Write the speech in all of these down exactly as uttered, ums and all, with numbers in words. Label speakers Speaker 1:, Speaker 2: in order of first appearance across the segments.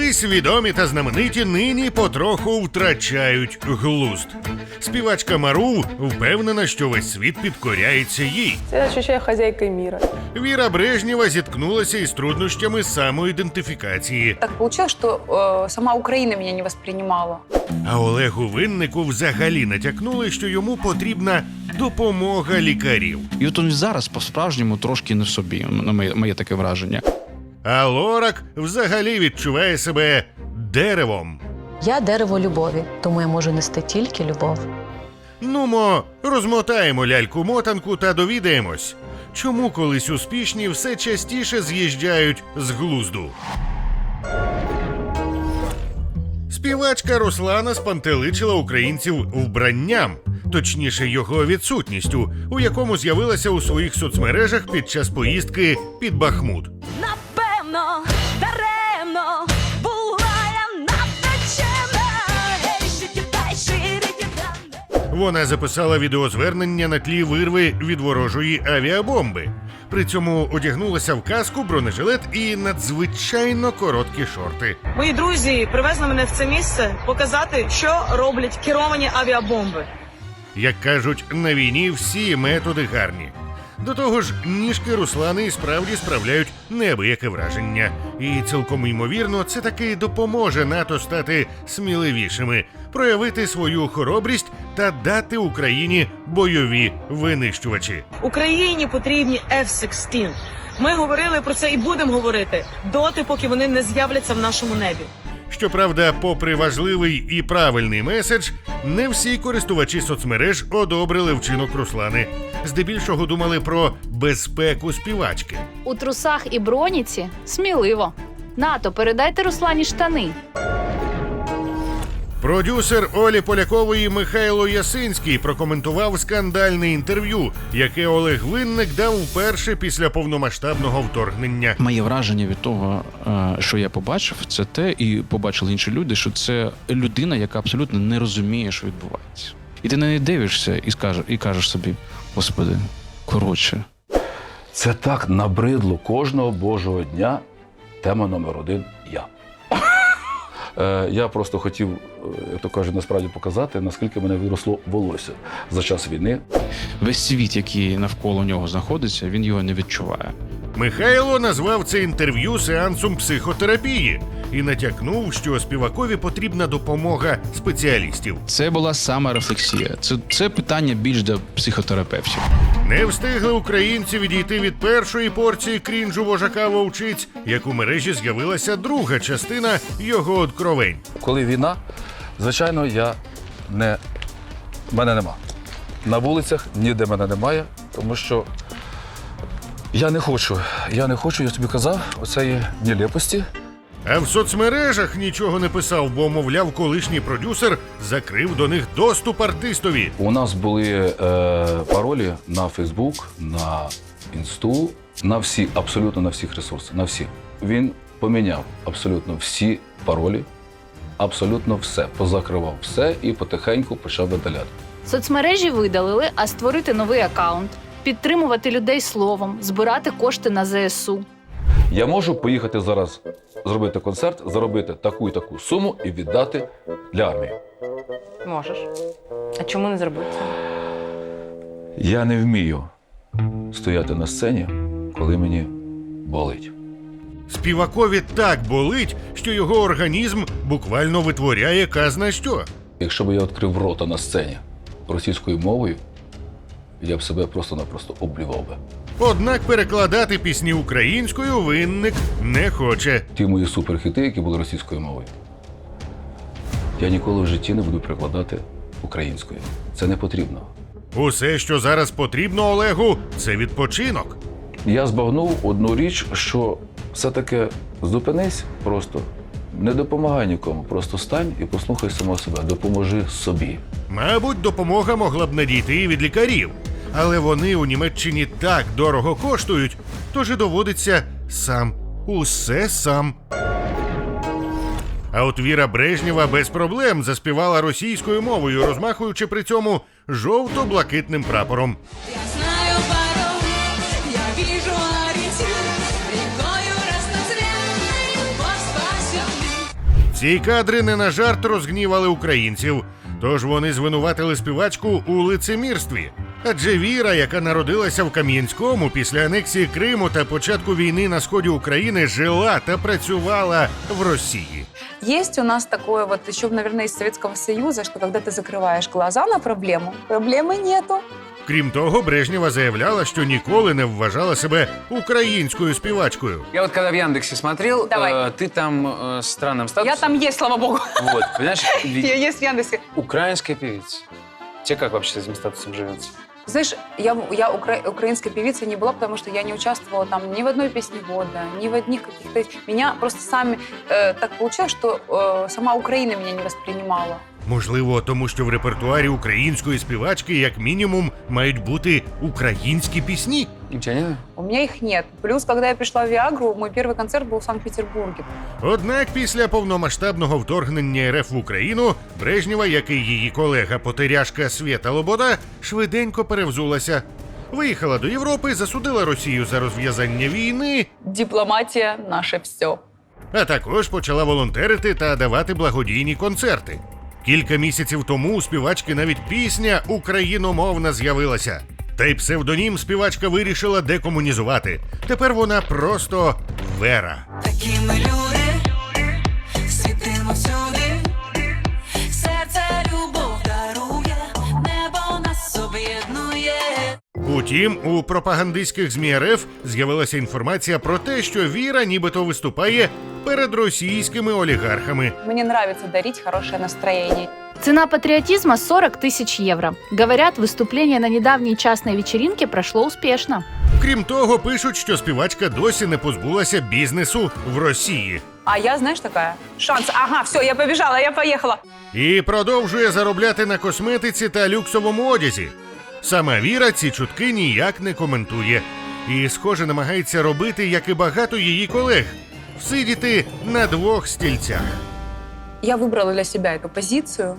Speaker 1: Колись відомі та знамениті нині потроху втрачають глузд. Співачка Мару впевнена, що весь світ підкоряється їй.
Speaker 2: Я ощущаю хозяйкой мира.
Speaker 1: Віра Брежнєва зіткнулася із труднощами самоідентифікації.
Speaker 3: Так получилось, что э, сама Украина меня не воспринимала.
Speaker 1: А Олегу Виннику взагалі натякнули, що йому потрібна допомога лікарів.
Speaker 4: І от він зараз по-справжньому трошки не в собі, на моє, моє таке враження.
Speaker 1: А Лорак взагалі відчуває себе деревом.
Speaker 5: Я дерево любові, тому я можу нести тільки любов.
Speaker 1: Нумо, розмотаємо ляльку-мотанку та довідаємось, чому колись успішні все частіше з'їжджають з глузду. Співачка Руслана спантеличила українців вбранням, точніше його відсутністю, у якому з'явилася у своїх соцмережах під час поїздки під Бахмут.
Speaker 6: Напевно, даремно була я навтечена. Ей, шики-дай, ширикі-дан.
Speaker 1: Вона записала відеозвернення на тлі вирви від ворожої авіабомби. При цьому одягнулася в каску, бронежилет і надзвичайно короткі шорти.
Speaker 7: Мої друзі привезли мене в це місце показати, що роблять керовані авіабомби.
Speaker 1: Як кажуть, на війні всі методи гарні. До того ж, ніжки Руслани і справді справляють неабияке враження. І цілком ймовірно, це таки допоможе НАТО стати сміливішими, проявити свою хоробрість та дати Україні бойові винищувачі.
Speaker 7: Україні потрібні еф шістнадцять. Ми говорили про це і будемо говорити доти, поки вони не з'являться в нашому небі.
Speaker 1: Щоправда, попри важливий і правильний меседж, не всі користувачі соцмереж одобрили вчинок Руслани. Здебільшого думали про безпеку співачки.
Speaker 8: У трусах і броніці сміливо. НАТО, передайте Руслані штани.
Speaker 1: Продюсер Олі Полякової Михайло Ясинський прокоментував скандальне інтерв'ю, яке Олег Винник дав вперше після повномасштабного вторгнення.
Speaker 4: Моє враження від того, що я побачив, це те, і побачили інші люди, що це людина, яка абсолютно не розуміє, що відбувається. І ти на неї дивишся і скажеш, і кажеш собі: Господи, коротше.
Speaker 9: Це так набридло кожного божого дня. Тема номер один – я. Я просто хотів, як то кажуть, насправді показати, наскільки мене виросло волосся за час війни.
Speaker 4: Весь світ, який навколо нього знаходиться, він його не відчуває.
Speaker 1: Михайло назвав це інтерв'ю сеансом психотерапії і натякнув, що співакові потрібна допомога спеціалістів.
Speaker 4: Це була сама рефлексія. Це, це питання більш до психотерапевтів.
Speaker 1: Не встигли українці відійти від першої порції крінжу вожака вовчиць, як у мережі з'явилася друга частина його откровень.
Speaker 9: Коли війна, звичайно, я не... мене нема. На вулицях ніде мене немає, тому що я не хочу, я не хочу, я тобі казав, оцеї нелепості.
Speaker 1: А в соцмережах нічого не писав, бо, мовляв, колишній продюсер закрив до них доступ артистові.
Speaker 9: У нас були е, паролі на Фейсбук, на Інсту, на всі, абсолютно на всіх ресурсах, на всі. Він поміняв абсолютно всі паролі, абсолютно все, позакривав все і потихеньку почав видаляти.
Speaker 8: Соцмережі видалили, а створити новий акаунт, підтримувати людей словом, збирати кошти на зе ес у.
Speaker 9: Я можу поїхати зараз зробити концерт, заробити таку і таку суму і віддати для армії.
Speaker 2: Можеш. А чому не зробити це?
Speaker 9: Я не вмію стояти на сцені, коли мені болить.
Speaker 1: Співакові так болить, що його організм буквально витворяє казна що.
Speaker 9: Якщо б я відкрив рота на сцені російською мовою, я б себе просто-напросто облював би.
Speaker 1: Однак перекладати пісні українською Винник не хоче.
Speaker 9: Ті мої суперхіти, які були російською мовою, я ніколи в житті не буду перекладати українською. Це не потрібно.
Speaker 1: Усе, що зараз потрібно Олегу, це відпочинок.
Speaker 9: Я збагнув одну річ, що все-таки зупинись просто, не допомагай нікому, просто стань і послухай самого себе, допоможи собі.
Speaker 1: Мабуть, допомога могла б надійти і від лікарів. Але вони у Німеччині так дорого коштують, тож і доводиться сам, усе сам. А от Віра Брежнєва без проблем заспівала російською мовою, розмахуючи при цьому жовто-блакитним прапором.
Speaker 6: Я знаю пароль, я вижу ориентир, рекою разноцветной любовь спасет.
Speaker 1: Ці кадри не на жарт розгнівали українців, тож вони звинуватили співачку у лицемірстві. Адже Віра, яка народилася в Кам'янському після анексії Криму та початку війни на сході України, жила та працювала в Росії.
Speaker 3: Есть у нас такое вот еще, наверное, из Советского Союза, что когда ты закрываешь глаза на проблему, проблемы нету.
Speaker 1: Крім того, Брежнєва заявляла, що ніколи не вважала себе українською співачкою.
Speaker 10: Я вот когда в Яндексе смотрел,
Speaker 3: Давай.
Speaker 10: э, ты там э, с странным статусом.
Speaker 3: Я там есть, слава богу.
Speaker 10: Вот, понимаешь, ведь
Speaker 3: Я есть в Яндексе.
Speaker 10: украинская певица. Тебе как вообще с этим статусом живется?
Speaker 3: Знаешь, я, я укра- украинской певицей не была, потому что я не участвовала там ни в одной песне года, ни в одних каких-то... Меня просто сами... Э, так получилось, что э, сама Украина меня не воспринимала.
Speaker 1: Можливо, тому що в репертуарі української співачки, як мінімум, мають бути українські пісні.
Speaker 10: У тебя нет?
Speaker 3: У меня их нет. Плюс, когда я пришла в Виагру, мой первый концерт был в Санкт-Петербурге.
Speaker 1: Однак після повномасштабного вторгнення РФ в Україну Брежнєва, як і її колега-потеряшка Свєта Лобода, швиденько перевзулася. Виїхала до Європи, засудила Росію за розв'язання війни,
Speaker 3: Дипломатия – наше все.
Speaker 1: а також почала волонтерити та давати благодійні концерти. Кілька місяців тому у співачки навіть пісня україномовна з'явилася. Та й псевдонім співачка вирішила декомунізувати. Тепер вона просто Вера.
Speaker 6: Такі ми люди, світимо всюди, серце любов дарує, небо нас об'єднує.
Speaker 1: Утім, у пропагандистських ЗМІ РФ з'явилася інформація про те, що Віра нібито виступає перед російськими олігархами.
Speaker 3: Мне нравится дарить хорошее настроение.
Speaker 8: Цена патриотизма сорок тысяч евро. Говорят, выступление на недавней частной вечеринке прошло успешно.
Speaker 1: Крім того, пишуть, що співачка досі не позбулася бізнесу в Росії.
Speaker 3: А я, знаешь, такая, шанс, ага, все, я побежала, я поехала.
Speaker 1: І продовжує заробляти на косметиці та люксовому одязі. Сама Віра ці чутки ніяк не коментує. І, схоже, намагається робити, як і багато її колег – всидіти на двох стільцях.
Speaker 3: Я выбрала для себя эту позицию.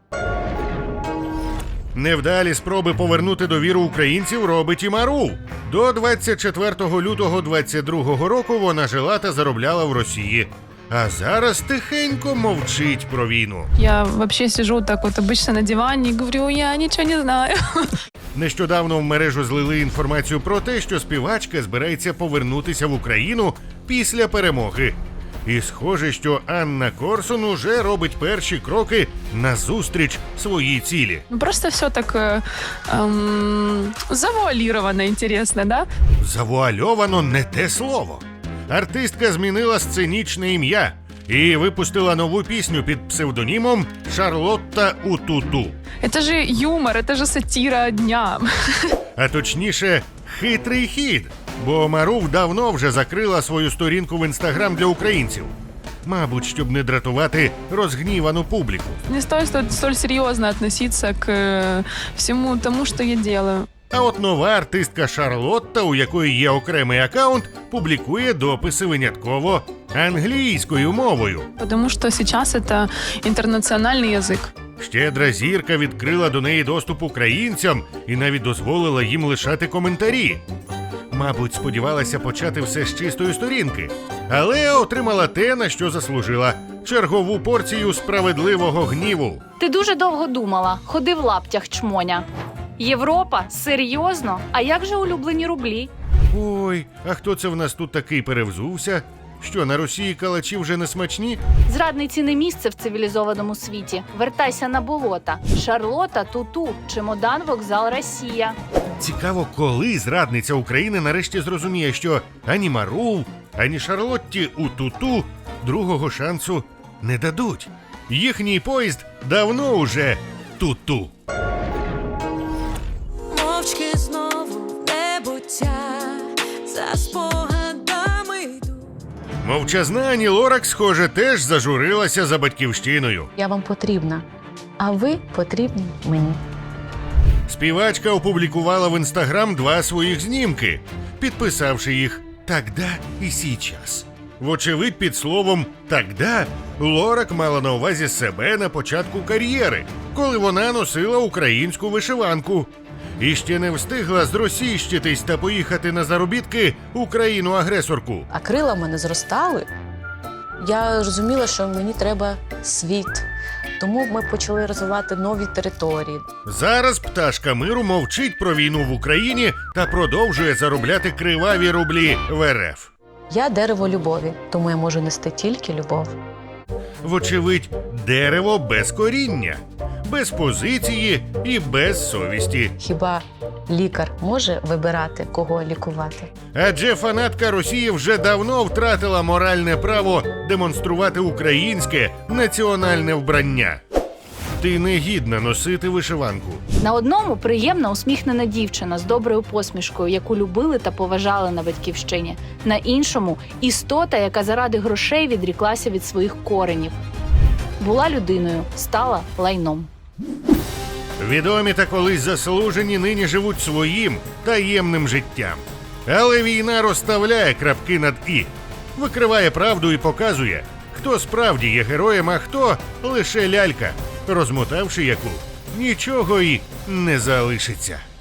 Speaker 1: Невдалі спроби повернути довіру українців робить і Мару. До двадцять четвертого лютого двадцять другого року вона жила та заробляла в Росії. А зараз тихенько мовчить про війну.
Speaker 11: Я вообще сижу так вот обычно на диване и говорю, я ничего не знаю.
Speaker 1: Нещодавно в мережу злили інформацію про те, що співачка збирається повернутися в Україну після перемоги. І схоже, що Анна Корсун уже робить перші кроки назустріч своїй цілі.
Speaker 11: Ну, просто все так э, эм, завуалировано, интересно, да?
Speaker 1: Завуальовано не те слово. Артистка змінила сценічне ім'я і випустила нову пісню під псевдонімом Шарлотта Утуту.
Speaker 11: Это же юмор, это же сатира дня.
Speaker 1: А точніше, хитрий хід, бо Марув давно вже закрила свою сторінку в інстаграм для українців. Мабуть, щоб не дратувати розгнівану публіку.
Speaker 11: Не стоит столь, столь серьезно относиться к э, всему тому, что я делаю.
Speaker 1: А от нова артистка Шарлотта, у якої є окремий акаунт, публікує дописи винятково англійською мовою.
Speaker 11: Потому что сейчас это интернациональный язык.
Speaker 1: Щедра зірка відкрила до неї доступ українцям і навіть дозволила їм лишати коментарі. Мабуть, сподівалася почати все з чистої сторінки, але отримала те, на що заслужила – чергову порцію справедливого гніву.
Speaker 8: Ти дуже довго думала, ходи в лаптях, чмоня. Європа? Серйозно? А як же улюблені рублі?
Speaker 1: Ой, а хто це в нас тут такий перевзувся? Що, на Росії калачі вже не смачні?
Speaker 8: Зрадниці не місце в цивілізованому світі. Вертайся на болота. Шарлота, Туту, чемодан, вокзал, Росія.
Speaker 1: Цікаво, коли зрадниця України нарешті зрозуміє, що ані Марув, ані Шарлотті Утуту другого шансу не дадуть. Їхній поїзд давно уже ту-ту.
Speaker 6: Мовчки знову в небуття, за спогадами йду.
Speaker 1: Мовчазна Ані Лорак, схоже, теж зажурилася за батьківщиною.
Speaker 5: Я вам потрібна, а ви потрібні мені.
Speaker 1: Співачка опублікувала в інстаграм два своїх знімки, підписавши їх «Тогда і сейчас». Вочевидь, під словом «тогда» Лорак мала на увазі себе на початку кар'єри, коли вона носила українську вишиванку. І ще не встигла зросійщитись та поїхати на заробітки у країну-агресорку.
Speaker 5: А крила в мене зростали Я розуміла, що мені треба світ. Тому ми почали розвивати нові території.
Speaker 1: Зараз пташка миру мовчить про війну в Україні та продовжує заробляти криваві рублі в ер еф.
Speaker 5: Я дерево любові, тому я можу нести тільки любов.
Speaker 1: Вочевидь, дерево без коріння, без позиції і без совісті.
Speaker 5: Хіба лікар може вибирати, кого лікувати?
Speaker 1: Адже фанатка Росії вже давно втратила моральне право демонструвати українське національне вбрання. Ти не гідна носити вишиванку.
Speaker 8: На одному приємна усміхнена дівчина з доброю посмішкою, яку любили та поважали на батьківщині. На іншому істота, яка заради грошей відріклася від своїх коренів. Була людиною, стала лайном.
Speaker 1: Відомі та колись заслужені нині живуть своїм таємним життям. Але війна розставляє крапки над «і», викриває правду і показує, хто справді є героєм, а хто лише лялька, розмотавши яку нічого й не залишиться.